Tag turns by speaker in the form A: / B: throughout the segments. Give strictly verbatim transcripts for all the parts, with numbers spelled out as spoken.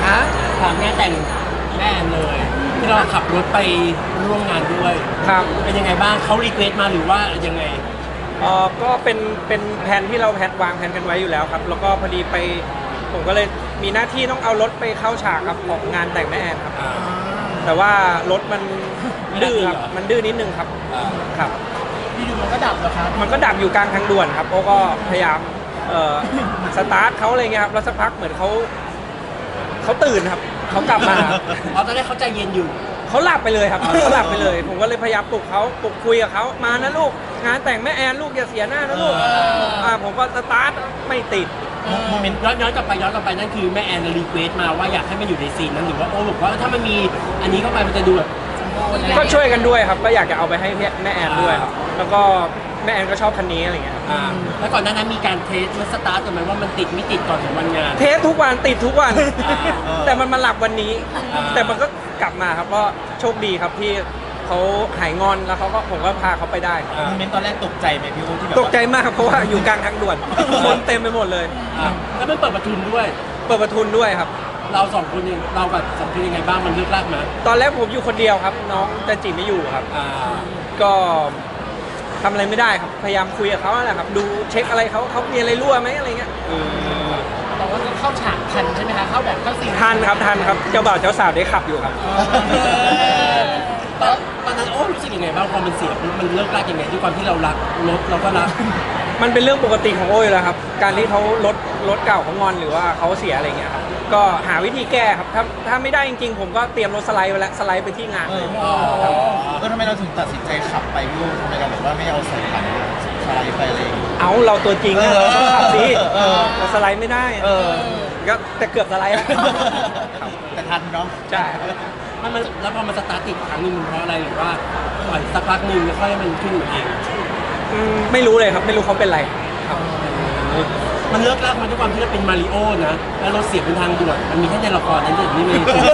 A: อ่ะ
B: ถามงานแต่งแม่แอนเลยที่เราขับรถไปร่วมงานด้วย
C: ครับ
B: เป็นยังไงบ้างเขารีเควสมาหรือว่ายังไง
C: เออก็เป็นเป็นแผนที่เราแผนวางแผนกันไว้อยู่แล้วครับแล้วก็พอดีไปผมก็เลยมีหน้าที่ต้องเอารถไปเข้าฉากครับของงานแต่งแม่แอนครับ
B: อ่า
C: แต่ว่ารถมันดื้อครับ
B: ไม่ได้เหรอ
C: มันดื้อนิดนึงครับ
B: อ่า
C: ครับ
A: อยู่ๆมันก็ดับเหรอครับ
C: มันก็ดับอยู่กลางทางด่วนครับโอ้ก็พยายามเอ่อสตาร์ทเขาอะไรเงี้ยครับแล้วสักพักเหมือนเขาเขาตื่นครับเขากลับมา
B: อ๋อตอนแรกเขาใจเย็นอยู่
C: เขาหลับไปเลยครับเขาหลับไปเลย ผมก็เลยพยายามปลุกเขาปลุกคุยกับเขามานะลูกงานแต่งแม่แอนลูกอย่าเสียหน้านะลูก
B: เอออ่
C: อ่าผมก็สตาร์ทไม่ติด
B: โมเมนต์ย้อนย้อนกลับไปย้อนกลับไปนั่นคือแม่แอนรีเควสมาว่าอยากให้มันอยู่ในซีนนั้นหรือว่าโอ้บอกว่าถ้ามันมีอันนี้เข้าไปมันจะดูแบบ
C: ก็ช่วยกันด้วยครับก็อยากจะเอาไปให้แม่แอนด้วยครับแล้วก็แม่แอนก็ชอบคันนี้อะไรเงี้ยครับ
B: อ่าแล้วก่อนหน้านั้นมีการเทสมันสตาร์ทกันไหมว่ามันติดไม่ติดก่อนถึงวันงาน
C: เทสทุกวันติดทุกวัน
B: อ่า
C: แต่มันมาหลับวันนี้
B: อ่า
C: แต่มันก็กลับมาครับก็โชคดีครับที่เขาหายงอนแล้วเขาก็ผมก็พาเขาไปได้ครับ
B: อ่า
D: โมเมนต์ตอนแรกตกใจไหมพี่โอที่แบบ
C: ตกใจมากเพราะว่าอยู่กลางทางด่วน คนเต็มไปหมดเลย
B: อ่าแล้วมันเปิดประทุนด้วย
C: เปิดประทุนด้วยครับ
B: เราสองคนเองเรากับสองคนยังไงบ้างมันเลือกลากไหม
C: ตอนแรกผมอยู่คนเดียวครับ น้องจันจิไม่อยู่ครับ
B: อ่า
C: ก็ทำอะไรไม่ได้ครับพยายามคุยกับเขาแหละครับ ดูเช็คอะไรเขาเขามีอะไรรั่วไหมอะไรเงี้ย
A: แต่ว่าเข้าฉากทันใช่ไหมคะเข้าแบบเข้าซีน
C: ทันครับทันครับเจ้าบ่าวเจ้าสาวได้ขับอยู่ครับ
B: ตอนตอนนั้นโอ้รู้สึกยังไงบ้างพอมันเสียปุ๊บมันเลิกลากยังไงด้วยความที่เรารักรถเราก็รัก
C: มันเป็นเรื่องปกติของโอ้ยแล้วครับ การที่เขารถรถเก่าเขางอนหรือว่าเขาเสียอะไรเงี้ยครับ ก็หาวิธีแก้ครับ ถ้าถ้าไม่ได้จริงๆ ผมก็เตรียมรถสไลด์ไว้แล้วสไลด์ไปที่งาน
D: เอ
C: เล
D: อย เออทำไมเราถึงตัดสินใจขับไปพี่โอทำไมเราแบบว่าไม่เอาใส่ถังสไลด์ไปอะไรอย่างเงี้ย
C: เอาเราตัวจริงนะเราต้องขับสิ
D: เออ
C: เราสไลด์ไม่ได้
D: เออ
C: ก็แต่เกือบสไลด์แล้ว
D: แต่ทันเนาะ
C: ใช่ครับ
B: มันมันแล้วพอมันสตาร์ทติดครั้งหนึงมันเพราะอะไรหรือว่าปล่อยสักพักหนึ่งแล้วค่อยให้มันขึ้นมาเอง
C: อืมไม่รู้เลยครับ ไม่รู้เขาเป็นไรครับ
B: มันเลิกลากมาด้วยความที่เราเป็นมาริโอนะแล้วเราเสียเป็นทางด่วนมันมีแค่ในละครนั้นเด็ดนี่ไม่ได้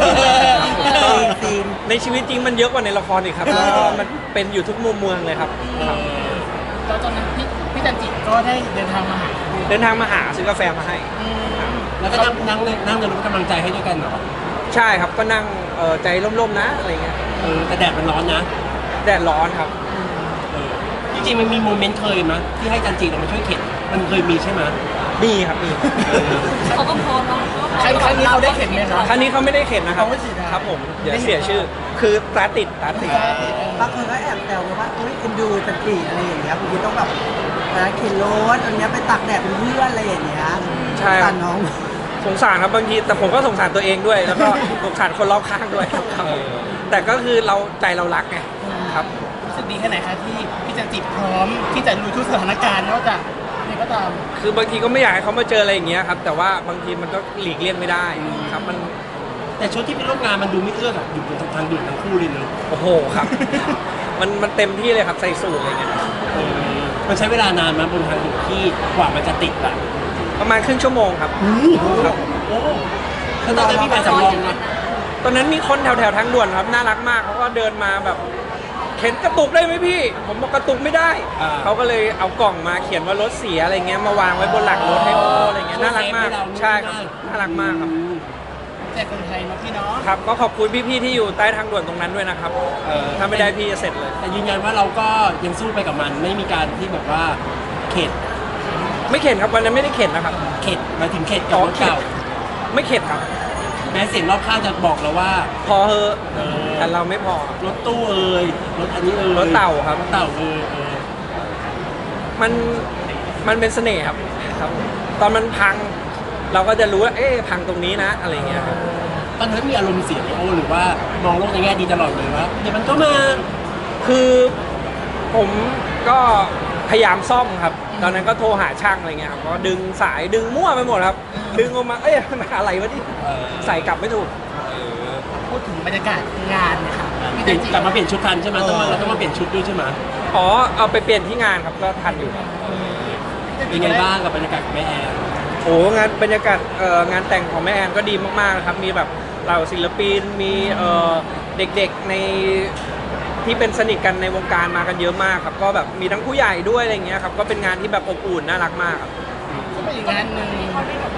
C: ในชีวิตจริงมันเยอะกว่าในละครอีกครับแล้วก็มันเป็นอยู่ทุกมุมเมืองเลยครับครับ
A: แล้วตอนนั้นพี่พี่จันจิก็ได้เดินทางมาหา
C: เดินทางมาหาซื้อกาแฟมาให้
B: แล้วก็นั่งนั่งนั่งในรถกำลังใจให้ด้วยกันเหรอ
C: ใช่ครับก็นั่งเอ่อใจร่มๆนะอะไรเงี้ย
B: เออแต่แดดมันร้อนนะ
C: แดดร้อนครับ
B: เออจริงๆมันมีโมเมนต์เคยมั้ยที่ให้จันจีเรามาช่วยเข็นมันเคยมีใช่ไหม
C: มีครับมี
E: เขาก็พร้อมเนาะ
A: ครั้งครั้งนี้เขาได้เข็นไหมคะ
C: ครั้งนี้เขาไม่ได้เข็นนะครับ
A: เขาไม่ฉีดนะครับ
C: ผมเดี๋ยวเสียชื่อ คือตาติดตาติด
F: บางคนก็แอบแซวว่าเอ้ยเอ็นดูจันจีอะไรอย่างเงี้ยบางทีต้องแบบนะเข็นรถอันเนี้ยไปตักแดดเป็นเพื่อนอะไรอย่างเงี้ย
C: ใช่ค
F: ตั
C: รับ
F: นน้อง
C: สงสารครับบางทีแต่ผมก็สงสารตัวเองด้วย แล้วก็สงสารคนรอบข้างด้วยครับแต่ก็คือเราใจเรารักไงครับ
A: รู้สึกดีแค่ไหนคะที่พี่จันจิพร้อมที่จะลุยทุกสถานการณ์ไม่ว่าจะนี่ก็ตาม
C: คือบางทีก็ไม่อยากให้เขามาเจออะไรอย่างเงี้ยครับ แต่ว่าบางทีมันก็หลีกเลี่ยงไม่ได้ครับมัน
B: แต่ชุดที่ไปร่วมงานมันดูไม่เอื้อกับอยู่บนทางด่วนทั้งคู่เลยเนอะ
C: โอ้โหครับ มันมันเต็มที่เลยครับใส่สูทอะไรเงี้ย
B: เออมันใช้เวลานานมั้ยบนทางด่วนที่กว่ามันจะติดอะ
C: ประมาณครึ่งชั่วโมงครับครับ
B: โอ้ขนาดนั้นมีการสำรองนะ
C: ตอนนั้นมีคนแถวแถวๆทางด่วนครับน่ารักมากเขาก็เดินมาแบบเข็นกระตุกได้ไหมพี่ ผมบอกกระตุกไม่ได้ เขาก็เลยเอากล่องมาเขียนว่ารถเสียอะไรเงี้ยมาวางไว้บนหลังรถให้โออะไรเงี้ยน่ารักมากใช่ครับน่ารักมากครับ
A: แต่คนไทยเนาะพี่เนาะ
C: ครับก็ขอบคุณพี่ๆที่อยู่ใต้ทางด่วนตรงนั้นด้วยนะครับเออถ้าไม่ได้พี่จะเสร็จเลย
B: แต่ยืนยันว่าเราก็ยังสู้ไปกับมันไม่มีการที่แบบว่าเข็ด
C: ไม่เข็นครับวันนั้นไม่ได้เข็นนะครับ
B: เข็ดหมายถึงเข็ดกับรถเก่า
C: ไม่เข็นครับ
B: แม้เสียงรอบข้างจะบอกเราว่า
C: พอเฮอะ
B: เออ
C: แต่เราไม่พอ
B: รถตู้เอ่ยรถอันนี้เอ่ย
C: รถเต่าครับ
B: รถเต่าเอ่ยเออ
C: มันมันเป็นเสน่ห์ครับครับ ตอนมันพัง เราก็จะรู้ว่าเอ๊ะพังตรงนี้นะอะไรเงี้ยครับ
B: ตอนนั้นมีอารมณ์เสียไหมโอ้หรือว่ามองโลกในแง่ดีตลอดเลยว่าเดี๋ยวมันก็มา
C: คือผมก็พยายามซ่อมครับ ตอนนั้นก็โทรหาช่างอะไรเงี้ยครับก็ดึงสายดึงมั่วไปหมดครับ ดึงออกมาเอ้ยมันอะไรวะนี่
B: เออ
C: ใส่กลับไม่ถูก
A: พูดถึงบรรยากาศงานเนะคะพี่
B: เปลี่
A: จั
B: ยน
A: นจิ
B: กลับมาเปลี่ยนชุดทันใช่ไหมต้องมาเราต้องมาเปลี่ยนชุดด้วยใช่ไหม
C: อ๋อเอาไปเปลี่ยนที่งานครับก็ทันอยู่ครับ
B: เป็นไงบ้างกับบรรยากาศของแม่แอน
C: โอ้งานบรรยากาศเอ่องานแต่งของแม่แอนก็ดีมากๆนะครับ มีแบบเหล่าศิลปินมีเอ่อเด็กๆในที่เป็นสนิทกันในวงการมากันเยอะมากครับ ก็แบบมีทั้งผู้ใหญ่ด้วยอะไรเงี้ยครับก็เป็นงานที่แบบอบอุ่นน่ารักมากครับ
A: ก็เป็นอีกงานหนึ่ง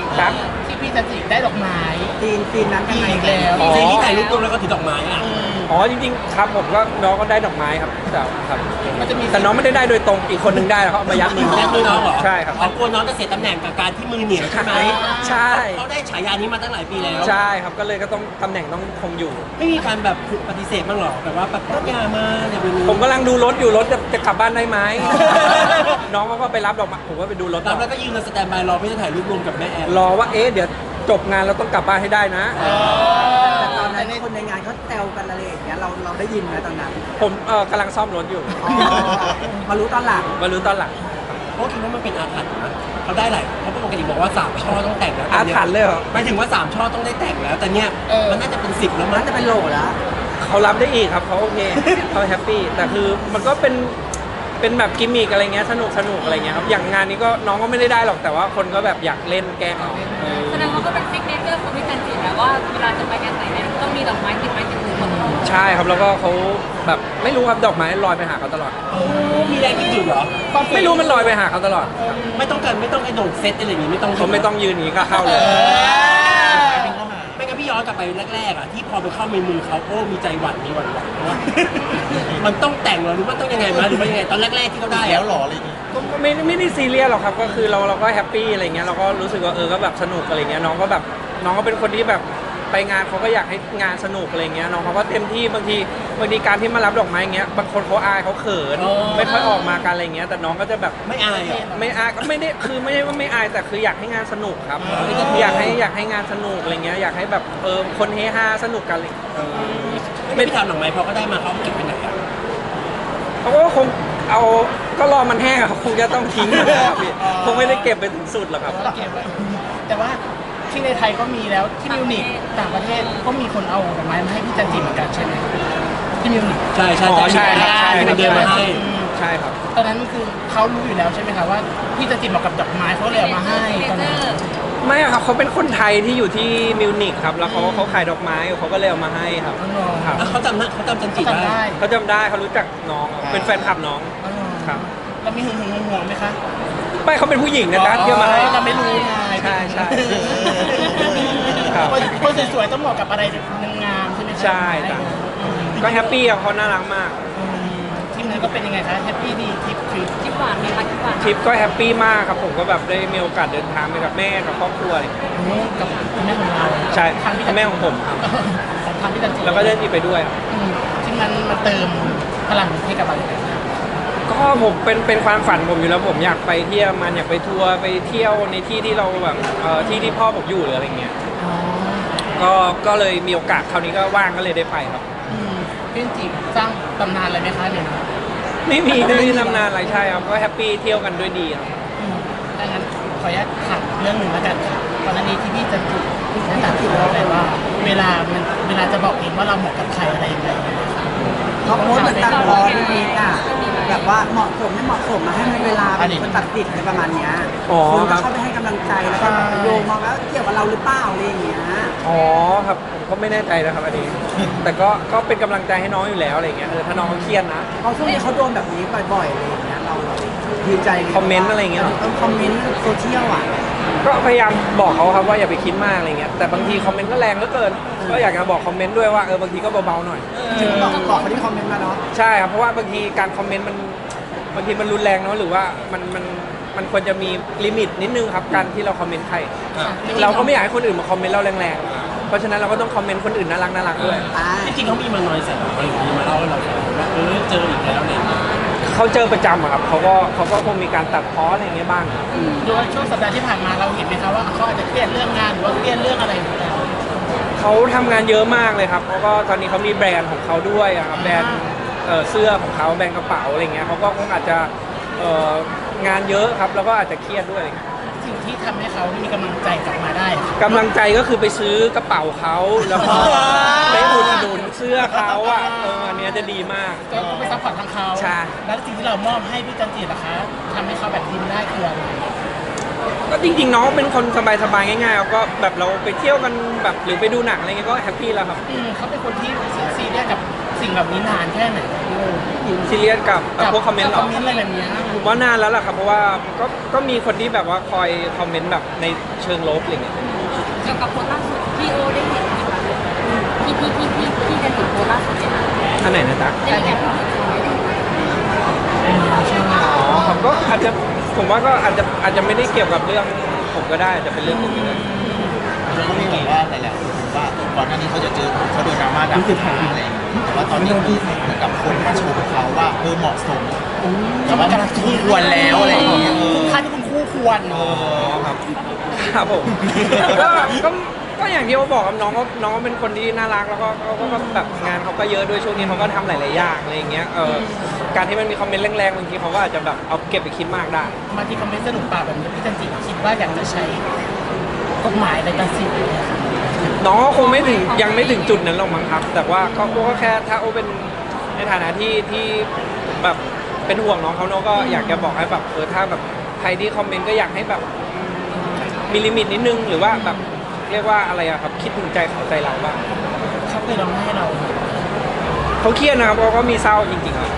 C: ครับ
A: ที่พี่จันจิได้ดอกไม้
F: ซีนซีนนั้นยังไง
A: อีกแล้ว
C: อ๋อ
B: ซีนที่ถ่ายรูปรวมแล้วก็ถือดอกไม้อ่ะ
C: อ๋อจริงๆครับผมก็น้องก็ได้ดอกไม้ครับแต่ครับ
A: มันจะมี
C: แต่น้องไม่ได้ได้โดยตรงอีกคนนึงได้แล้วเขาเอามายัดมือ
B: แม่มือน้องเหรอ
C: ใช่ครับ
B: เขากลัวน้องจะเสียตำแหน่งกับการที่มือเหนียวใช่ไหม
C: ใช่
B: เขาได้ฉายานี้มาตั้งหลายปีแล้ว
C: ใช่ครับก็เลยก็ต้องตำแหน่งต้องคงอยู่
B: ไม่มีการแบบปฏิเสธบ้างหรอแบบว่าแบบต้องยามาอย่าไปรู้
C: ผมกำลังดูรถอยู่รถจะจะกลับบ้านได้ไหม น้องเขาก็ไปรับดอกไม้ผมก็ไปดูรถต่
B: รับ
C: อ
B: แล้วก็ยืนสแตนบายรอเพื่อจะถ่ายรูปรวมกับแม่แอน
C: รอว่าเอ๊ะเดี๋ยวจบงานเราต้องกลับบ้านให้ได้นะ
F: แต่ตอนนั้นคนในงานเขาแซวกันอะไรอย่างเงี้ยเราเราได้ยินไหมตอนนั้น
C: ผมเออกำลังซ่อมรถอยู่
F: อ๋อมารู้ตอนหลัง
C: มารู้ตอนหลัง
B: เพราะคิดว่ามันเป็นอาถรรพ์นะเขาได้หลายเขาปกติบอกว่าสามช่อต้องแต่งแล้ว
C: อาถรรพ์เลยเหรอ
B: หมายถึงว่าสามช่อต้องได้แต่งแล้ว แต่เนี้ยมันน่าจะเป็นสิบแล้วมั้
F: น่าง จะเป็นโหลแล้ว
C: เขารับได้อีกครับเขาโอเค เขาแฮปปี้แต่คือมันก็เป็นเป็นแบบกิมมิกอะไรเงี้ยสนุกสนุกอะไรเงี้ยครับอย่างงานนี้ก็น้องก็ไม่ได้ได้หรอกแต่ว่าคนก็แบบอยากเล่นแกล้งเอาเออ
E: แสดงว่าก็เป็นซิกเนเจอร์ของพี่จันจินะว่าเวลาจะไปงานไหนเนี่ยต้องมีดอกไม้ติดไม้ติดมือมาตลอด
C: ใช่ครับแล้วก็เขาแบบไม่รู้ครับดอกไม้ลอยไปหาเขาตลอด
B: มีแรงดึงๆเหรอ
C: ไม่รู้มันลอยไปหาเขาตลอดครับ
B: ไม่ต้องการไม่ต้องไอ้โด่งเซตอะไรอย่างงี้ไม่ต้อง
C: เขาไม่ต้องยืนอย่างนี้ก็เข้าเลย
B: ไม่งั้นพี่ย้อนกลับไปแรกๆอ่ะที่พอไปเข้าในมือเขาโอ้มีใจหวั่นมีหวั่นหวั่นว่า มันต้องแต่งเหรอหรือว่าต้องยังไงมาหรือว่ายังไงตอนแรกๆที่เขาได้
D: แล้ว
B: อะ
D: หรออะไรอย่างงี้
C: ก็ไม่ไม่ได้ซีเรียสหรอกครับก็คือเราเราก็แฮปปี้อะไรเงี้ยเราก็รู้สึกว่าเออก็แบบสนุกอะไรเงี้ยน้องก็แบบน้องก็เป็นคนที่แบบไปงานเขาก็อยากให้งานสนุกอะไรเงี้ยน้องเขาก็เต็มที่บางทีบางทีการที่มารับดอกไม้เงี้ยบางคนเขาอายเขาเขินไม่ค่อยออกมากันอะไรเงี้ยแต่น้องก็จะแบบ
B: ไม่อายอ่ะ
C: ไม่อายก็ไม่ได้คือไม่ได้ว่าไม่อายแต่คืออยากให้งานสนุกครับอยากให้อยากให้งานสนุกอะไรเงี้ยอยากให้แบบเออคนเฮฮาสนุกกันเลย
B: ไม่พี่ถามหนังไหมพอเขาได้มาเขาเอาเก็บไปไหนอ่ะ
C: เขาก็คงเอาก็รอมันแห้งอะเขาคงจะต้องทิ้งนะครับพี่คงไม่ได้เก็บไปถึงสุดหรอกครับ
A: เราเก็บไว้แต่ว่าที่ในไทยก็มีแล้วที่มิวนิกต่างประเทศก็มีคนเอาดอกไม้มาให้พี่จันจิเหมือนกันใช่ไหมที่มิวนิก
B: ใช่ใช่
C: อ๋อใช่ครับ
B: ใช่ที่มันเดินมาให้
C: ใช่ครับ
A: ตอนนั้นคือเขารู้อยู่แล้วใช่ไหมคะว่าพี่จันจิเหมาะกับดอกไม้เขาเลยเอามาให้ตอนนั้น
C: ไม่อะครับเขาเป็นคนไทยที่อยู่ที่มิวนิกครับแล้วเขาเขาขายดอกไม้เขาก็เลยเอามาให้ครับ
A: อ๋อเหรอ
C: ครับ
B: แล้วเขาจำนะเขาจำจันจิ
A: จำ
B: ได้
A: ได้
C: เขาจำได้เขารู้จักน้องเป็นแฟนคลับน้อง
A: อ๋อเหรอ
C: ครับ
A: แล้วมีหึงหึงห่วงๆไหมคะ
C: ไม่เขาเป็นผู้หญิงนะที่เอามาให้
A: เราไม่รู้ไง
C: ใช่ใช่ครับ
A: คนสวยๆต้องเหมาะกับอะไรงามๆใช่ไหมคะ
C: ใช่ครับ ก็แฮปปี้ครับเขาน่ารักมาก
A: อืมทีมนั้นก็เป็นยังไงคะแฮปปี้ดีทริปคือ
E: จิ๊บหวานไหมคะจิ๊บหวาน
C: ทริปก็แฮปปี้มากครับผมก็แบบได้มีโอกาสเดินทางไปกับแม่กับครอบครัวอะไรอย่างเงี้ย
A: กับคุณแม่ของเรา
C: ใช่
A: ทางพี่
C: แม่ของผมครับ
A: ของทางพี่จันจิ
C: แล้วก็ได้ที่ไปด้วยครับ
A: อืมที่มันมาเติมพลังให้กับเราอย่างไรบ้าง
C: ก็ผมเป็นเป็นความฝันผมอยู่แล้วผมอยากไปเที่ยวมันอยากไปทัวร์ไปเที่ยวในที่ที่เราแบบเอ่อที่ที่พ่อผมอยู่หรืออะไรเงี้ย
A: อ๋อ
C: ก็ก็เลยมีโอกาสคราวนี้ก็ว่างก็เลยได้ไปครับ
A: อืมพี่จันจิสร้างตำนานอะไรไหมคะเนี่ย
C: ไม่มีไม่มีตำนานอะไรใช่ครับก็แฮปปี้เที่ยวกันด้วยดีครับ
A: อืมดังนั้นขออนุญาตถามเรื่องหนึ่งแล้วกันค่ะก่อนหน้านี้ที่พี่จันจิได้ตัดสินเราไปว่า เวลามันเวลาจะบอกเองว่าเราเหมาะกับใครอะไรยังไง
F: เขาโพสต์เหมือนตัดพอพี่พีอ่ะแบบว่าเหมาะสมไม่เหมาะสมมาให้มันเวลาเป็นคนตัดสินอะไรประมาณเนี้ย
C: อ๋อ
F: คน
C: ค
F: ก็
C: รับ
F: เข้าไปให้กำลังใจแล้วก็โยงมาว่าเกี่ยวกับเราหรือเปล่าอะไรอย่างเงี้ย
C: อ๋อครับผมก็ไม่แน่ใจนะครับอันนี้ แต่ก็ก็เป็นกำลังใจให้น้องอยู่แล้วอะไรเงี้ยเออถ้าน้องเขาเครียดนะ
F: เขาช่วงนี้เขาโดนแบบนี้บ่อยๆอะไรอย่างเงี้ยเราเราดีใจลย
C: คอมเมนต์อะไรอย่างเงี้ยเหรอ
F: อคอมเมนต์โซเชียลอ่ะ
C: ก็พยายามบอกเขาครับว่าอย่าไปคิดมากอะไรเงี้ยแต่บางทีคอมเมนต์ก็แรงเหลือเกินก็อยากจะบอกคอมเมนต์ด้วยว่าเออบางทีก็เบาๆหน่อย
F: ถึงบอกบอกเขาที่คอมเมนต์มาเนาะ
C: ใช่ครับเพราะว่าบางทีการคอมเมนต์มันบางทีมันรุนแรงเนาะหรือว่ามันมันมันควรจะมีลิมิตนิดนึงครับการที่เราคอมเมนต์ใคร เราก็ไม่อยากให้คนอื่นมาคอมเมนต์เราแรงๆเพราะฉะนั้นเราก็ต้องคอมเมนต์คนอื่นน่ารักน่ารักด้วย
F: อ่า
B: จริงๆเขามีมาหน่อยใส่เราอะไรอย่างงี้มาเล่าให้เราฟังว่าเออเจออีกแล้วอะไรอย่างเงี้ย
C: เขาเจอประจำอะครับเขาก็เขาก็คงมีการตัดพ้ออะไรอย่างเงี้ยบ้าง
A: ดูว่าช่วงสัปดาห์ที่ผ่านมาเราเห็นไหมคะว่าเขาอาจจะเครียดเรื่องงานหรือว่าเครียดเรื่องอะไรอยู่แล้ว
C: เขาทำงานเยอะมากเลยครับแล้วก็ตอนนี้เขามีแบรนด์ของเขาด้วยอะครับแบรนด์เอ่อเสื้อของเขาแบรนด์กระเป๋าอะไรเงี้ยเขาก็คงอาจจะเอ่องานเยอะครับแล้วก็อาจจะเครียดด้วยอะไรเงี้ย
A: สิ่งที่ทำให้เขามีกำลังใจกลับมาได้
C: กำลังใจก็คือไปซื้อกระเป๋าเขาแล้วก็ไปอุดหนุนเสื้อเขาอ่ะเอออันเนี้ยจะดีมาก
A: ก็ไปซัพพอร์ตทางเขา
C: ใช่
A: แล้วสิ่งที่เรามอบให้พี่จันจิล่ะคะทำให้เขาแบบยิ้มได้คืออะไร
C: กก็จริงๆน้องเป็นคนสบายๆง่ายๆก็แบบเราไปเที่ยวกันแบบหรือไปดูหนังอะไรเงี้ยก็แฮปปี้แล้วครับ
A: อืมเขาเป็นคนที่ซีเรียสกับสิ่งแบบนี้นานแค่ไหนพี่โอ
C: ซีเรียสกับเอ่อพวกคอมเมนต์หร
A: ค
C: อ
A: อมเมนต์อะไรแบบเนี้ย
C: ผมว่านานแล้วล่ะครับเพราะว่าก็ก็มีคนที่แบบว่าคอยคอมเมนต์แบบในเชิงลบอะไรเงี้ย
E: เกี่ยวกับโพสต์ล่าสุดพี่โอได้เห็นไหมคะพี่พี่พี่พี่พี่ได้เห็นโพสต์ล่าสุดไหมคะ
C: ท่านไหนนะจ๊ะ
E: ได้มีการพูดถึงไหม
C: อ๋อผมก็อาจจะผมว่าก็อาจจะอาจจะไม่ได้เกี่ยวกับเรื่องผมก็ได้อาจจะเป็นเรื่องอื่นก็ได้
D: แล้วก็มีแบบว่าหลายๆคนว่าก่อนหน้านี้เขาจะเจอเขาโดนดราม่าดังอะไรอย่างเงี้ยแต่ว่าตอนนี้คือเหมือนกับคนมาชมเขาว่าเออเหมาะสมแต่ว่ามันคู่ควรแล้วอะไรอย่างเงี้ยเออ
A: ค่าที่คุณคู่ควร
D: เออ
C: ครับครับผม ก็ก็ก็อย่างที่เขาบอกครับน้องก็น้องก็เป็นคนที่น่ารักแล้วก็เขาก็ก็แบบงานเขาก็เยอะด้วยช่วงนี้เขาก็ทำหลายๆอย่างอะไรอย่างเงี้ยเออการที่มันมีคอมเมนต์แรงๆบางทีเขาก็อาจจะแบบเอาเก็บไปคิดมากได้
A: มาที่คอมเมนต์สนุกปากแบบนี้พี่จันจิคิดว่าอยากจะใช้กฎหมายในตัดสินไหมคะ
C: น้องก็คงไม่ถึงยังไม่ถึงจุดนั้นหรอกมั้งครับ แต่ว่าก็ก็แค่ถ้าโอเป็นในฐานะที่ที่แบบเป็นห่วงน้องเขาน้องก็อยากจะบอกให้แบบเออถ้าแบบใครที่คอมเมนต์ก็อยากให้แบบมีลิมิตนิดนึงหรือว่าแบบเรียกว่าอะไรอะครับคิดถึงใจเขาใจเราบ้าง
A: เขาเคยร้องไห้ให้เรา
C: เขาเครียดนะครับเขาก็มีเศร้าจริงๆครับ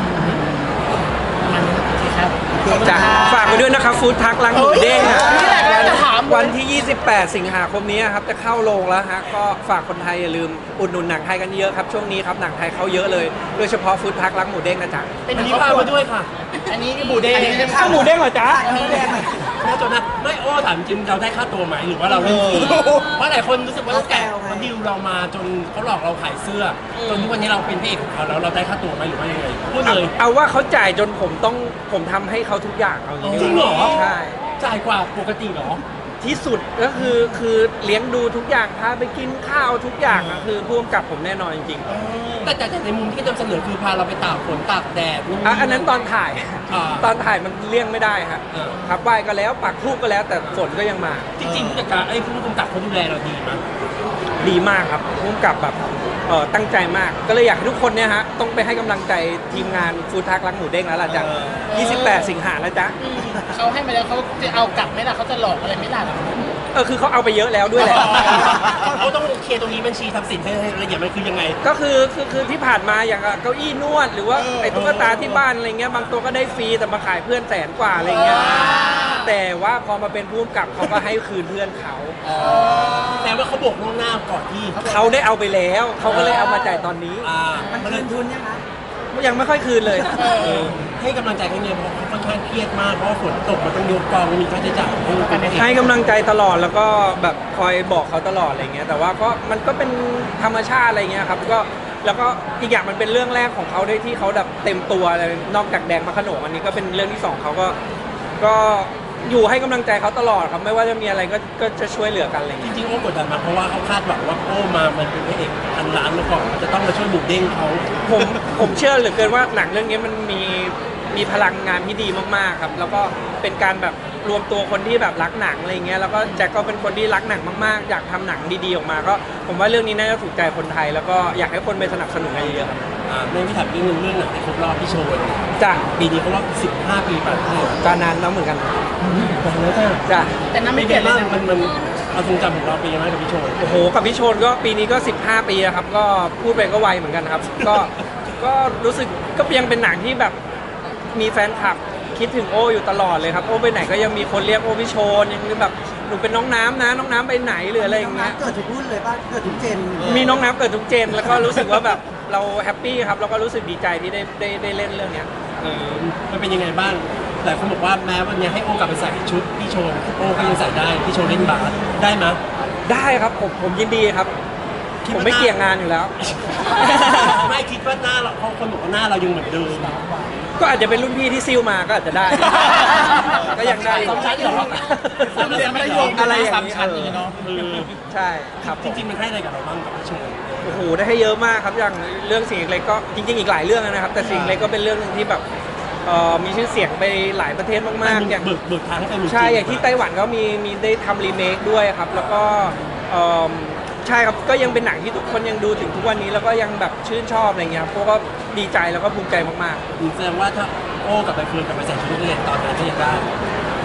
A: มันโอเคครับ
C: จ้ะฝากไปด้วยนะครับฟู้ดทักร้านหมูเด้งอะ
A: เฮ้ยนี่แหละก็จะถามเลย
C: วันที่ ยี่สิบแปด สิงหาคมนี้ครับจะเข้าโรงแล้วฮะก็ฝากคนไทยอย่าลืมอุดหนุนหนังไทยกันเยอะครับช่วงนี้ครับหนังไทยเข้าเยอะเลยโดยเฉพาะฟู้ดทักร้านหมูเด้งนะจ๊ะ
A: เป็น
B: วัน
A: ค
B: นี้
A: รอบ
B: พา
A: ครัว
B: มาด้วยค่ะ
A: อันนี้บูเด้
C: ข้าวหมูเด้งเหรอจ๊ะ
B: น่าจนนะไม่โอ้ถามจริงเราได้ค่าตัวไหมหรือว่าเราเล่นฟรีเพราะหลายคนรู้สึกว่าตั้งแต่เขาดิวเรามาจนเขาหลอกเราขายเสื้อจนทุกวันนี้เราเป็นพระเอกของเขาแล้วเราได้ค่าตัวไหมหรือว่ายังไงพูดเลย
C: เอาว่าเขาจ่ายจนผมต้องผมทำให้เขาทุกอย่างเอาอย่างนี้
B: จริงเหรอ
C: ใช่
B: จ่ายกว่าปกติเหรอ
C: ที่สุดก็คือคือเลี้ยงดูทุกอย่างพาไปกินข้าวทุกอย่างอะคือพ่วงกับผมแน่นอนจริง
B: แต่แต่แต่ในมุมที่นำเสนอคือพาเราไปตากฝนตากแดด
C: ๆอ่ะอันนั้นตอนถ่าย
B: อ่า
C: ตอนถ่ายมันเลี่ยงไม่ได้ฮะ
B: เออ
C: ครับไหว้ก็แล้วปักทูบก็แล้วแต่ฝนก็ยังมา
B: จริงๆผู้จัดการไอ้ผู้กำกับเขาดูแลเราดีมั้ย
C: ดีมากครับพ่วงกับแบบเอ่อตั้งใจมาก ก็เลยอยากให้ทุกคนเนี่ยฮะต้องไปให้กำลังใจทีมงานฟู้ดทักรักหมูเด้งแล้วล่ะจ๊ะยี่สิบแปด สิงหาแล้วจ๊ะ
A: เขาให้มาแล้วเขาจะเอากลับไหมล่ะเขาจะหลอกอะไรไหม่ล่ะ
C: เออคือเขาเอาไปเยอะแล้วด้วยแหละ
B: เขาต้องเคลียร์ตรงนี้บัญชีทรัพย์สินให้ให้ละเอียดมันคือยังไง
C: ก็คือคือคือที่ผ่านมาอย่างเก้าอี้นวดหรือว่าไอ้ตุ๊กตาที่บ้านอะไรเงี้ยบางตัวก็ได้ฟรีแต่มาขายเพื่อนแสนกว่าอะไรเงี้ยแต่ว่าพอมาเป็นผู้กำกับเขาก็ให้คืนเพื่อนเขา
B: แต่ว่าเขาบอกล่วงหน้าก่อนที่
C: เขาได้เอาไปแล้วเขาก็เลยเอามาจ่ายตอนนี้
B: อ่า
F: มัน
B: มัน
F: คื
B: เลย
F: นทุนยังคะ
C: ยังไม่ค่อยคืนเลย
B: เออให้กำลังใจเขาเนี่ยเพราะเขาค่อนข้างเครียดมากเพราะว่าฝนตกมันต้องยกกองมีค่าใช้จ่ายให้กันเอง
C: ให้กำลังใจตลอดแล้วก็แบบคอยบอกเขาตลอดอะไรเงี้ยแต่ว่าก็มันก็เป็นธรรมชาติอะไรเงี้ยครับก็แล้วก็อีกอย่างมันเป็นเรื่องแรกของเขาด้วยที่เขาแบบเต็มตัวเลยนอกจากแดงมะขนงอันนี้ก็เป็นเรื่องที่สองเขาก็ก็อยู่ให้กำลังใจเขาตลอดครับไม่ว่าจะมีอะไรก็ก็จะช่วยเหลือกันอะไร
B: จ
C: เงี้ย
B: ริงๆโอ้กดดันมากเพราะว่าเขาคาดหวังว่าโอ้มามันเป็นพระเอกพันล้านมาก่อนจะต้องมาช่วยหมูเด้งเขา
C: ผมผมเชื่อเหลือเกินว่าหนังเรื่องนี้มันมีมีพลังงานที่ดีมากๆครับแล้วก็เป็นการแบบรวมตัวคนที่แบบรักหนังอะไรเงี้ยแล้วก็แจ็คก็เป็นคนที่รักหนังมากๆอยากทำหนังดีๆออกมาก็ผมว่าเรื่องนี้น่าจะถูกใจคนไทย แล้วก็อยากให้คนไปสนับสนุนกันเยอะๆครับ
B: อ่าในวิถีเรื่องหนึงเรื่องหนังที่ครบรอบพี่โชว์
C: จ้ะ
B: ปีนี้เขารอบสิบห้าปีป่ะพี่
C: การนานแล้วเหมือนกัน
B: แต่แล้วจ้ะ
C: จ้ะ
A: แต่น้ำ
B: ไม่
A: ไม่
B: เป
A: เป
B: ลี่
A: ลี่
B: ย
A: ย
B: น
A: น
B: มา
A: เลย
B: กมันมันเอาทรงจำของเราเป็นยังไงกับพี่โชว์
C: โอ้โหกับพี่โชนก็ปีนี้ก็สิบห้าปีแล้วครับก็พูดไปก็ไวเหมือนกันครับ ก็ก็รู้สึกก็ยังเป็นหนังที่แบบมีแฟนคลับคิดถึงโออยู่ตลอดเลยครับโอไปไหนก็ยังมีคนเรียกโอพี่โชนยังแบบหนูเป็นน้องน้ำนะน้องน้ำไปไหนหรืออะไรอย่างเงี้ย
F: เกิดทุกรุ่นเลยป่ะเกิดทุกเจน
C: มีน้องน้ำเกิดทุกเจนแล้วก็รู้สึกว่าแบบเราแฮปปี้ครับแล้วก็รู้สึกดีใจที่ได้ได้ได้เล่นเรื่องเนี้ย
B: เออมันเป็นยังไงบ้างแต่คนบอกว่าแม้วันนี้ให้โอกลับไปใส่ชุดพี่โชว์โอ้ก็ยังใส่ได้พี่โชว์เล่นบาสได้ไหมย
C: ได้ครับผมผมยินดีครับ ผมไม่เกี่ยงงานอยู่แล้ว
B: ไม่คิดว่าหน้าเราเพราะคนบอกว่าหน้าเรายังเหมือนเดิม
C: ก็อาจจะเป็นรุ่นพี่ที่ซิลมาก็อาจจะได้ ก็ยังได้
B: สองชั้นเหรอ
A: สามเดือนไม่ได้โยง
C: อะไรอย่าง
A: สาม
C: นี้
A: ชั้นอย่างนี้เนาะ
B: เออ
C: ใช่ครับ
B: จริงๆมันให้อะไรกับเราบ้างกับพี่โชว์
C: โอ้โหได้ให้เยอะมากครับอย่างเรื่องสิ่งเล็กก็จริงๆอีกหลายเรื่องนะครับ แต่สิ่งเล็กก็เป็นเรื่องหนึงที่แบบเอ่อมีชื่อเสียงไปหลายประเทศมากๆอย่าง
B: เบิกเบิกทางให้ไปเมืองจีน
C: ใช่อย่างที่ไต้หวันก็มีมีได้ทำรีเมคด้วยครับ แล้วก็เอิ่มใช่ครับก็ยังเป็นหนังที่ทุกคนยังดูถึงทุกวันนี้แล้วก็ยังแบบชื่นชอบอะไรเงี้ยครับพวกก็ดีใจแล้วก็ภูมิใจมาก
B: แสดงว่าถ้าโอ้กับใบเฟิร์นกลับไปใส่ชุดนักเรียนตอนนั้นก็ยังได้
C: ๆ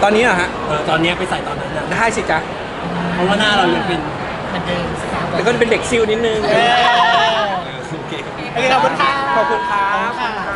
C: ตอนนี้เหรอฮะ
B: เออตอนเนี้ยไปใส่ตอนนั้นนะ
C: ได้สิจ๊ะ
B: เพราะว่าหน้าเรายังเป็น
A: เหมือนเดิมสตาร์
C: แล้วก็เป็นเด็กซิลนิดนึง
A: เออ
B: โอเค
A: โอเคขอบคุณค่ะ
C: ขอบคุณครับ
A: ขอบคุณค่ะ